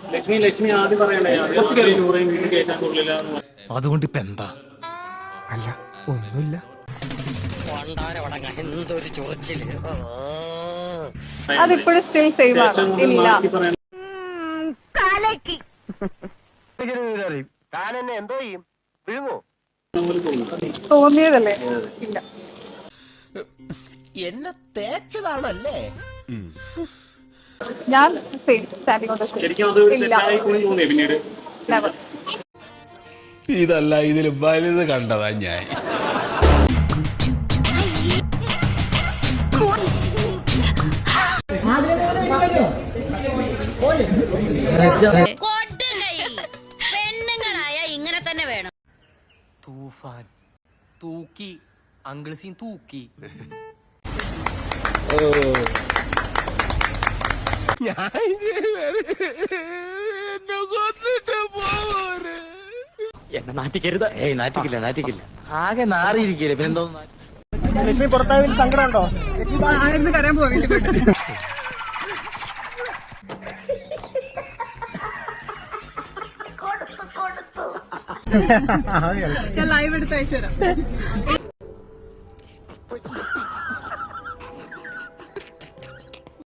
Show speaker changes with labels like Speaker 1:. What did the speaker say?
Speaker 1: ലക്ഷ്മി ആദ്യം പറയണ്ടേ
Speaker 2: അതുകൊണ്ട് ഇപ്പൊ എന്താ?
Speaker 3: അല്ല ഒന്നുമില്ല.
Speaker 4: അതിപ്പോഴും സ്റ്റിൽ സെയിം ആണ്. ഇല്ല,
Speaker 5: എന്തോ ചെയ്യും വിഴുങ്ങോ
Speaker 4: തോന്നിയതല്ലേ? ഇല്ല.
Speaker 3: എന്നെ തേച്ചതാണല്ലേ?
Speaker 4: ഞാൻ same standing on the stage.
Speaker 1: ശരിക്കും അത് തെറ്റായി തോന്നിയേ പിന്നീട്?
Speaker 4: നെവർ.
Speaker 2: ഇതല്ല, ഇതിൽ വലുത് കണ്ടതാ ഞാൻ.
Speaker 6: പെണ്ണുങ്ങളായ ഇങ്ങനെ തന്നെ വേണം.
Speaker 3: തൂഫാൻ തൂക്കി അങ്കിൾ സീൻ തൂക്കി.
Speaker 5: എന്നെ നാട്ടിക്കരുത്. നാറ്റിക്കില്ല ആകെ നാറിയിരിക്കില്ലേ പിന്നെന്തോ.
Speaker 4: ആയിരുന്നു കരയാൻ പോവാ വീട്ടിൽ പോയിട്ട്. ഞാൻ ലൈവ് എടുത്ത് അയച്ചു തരാം.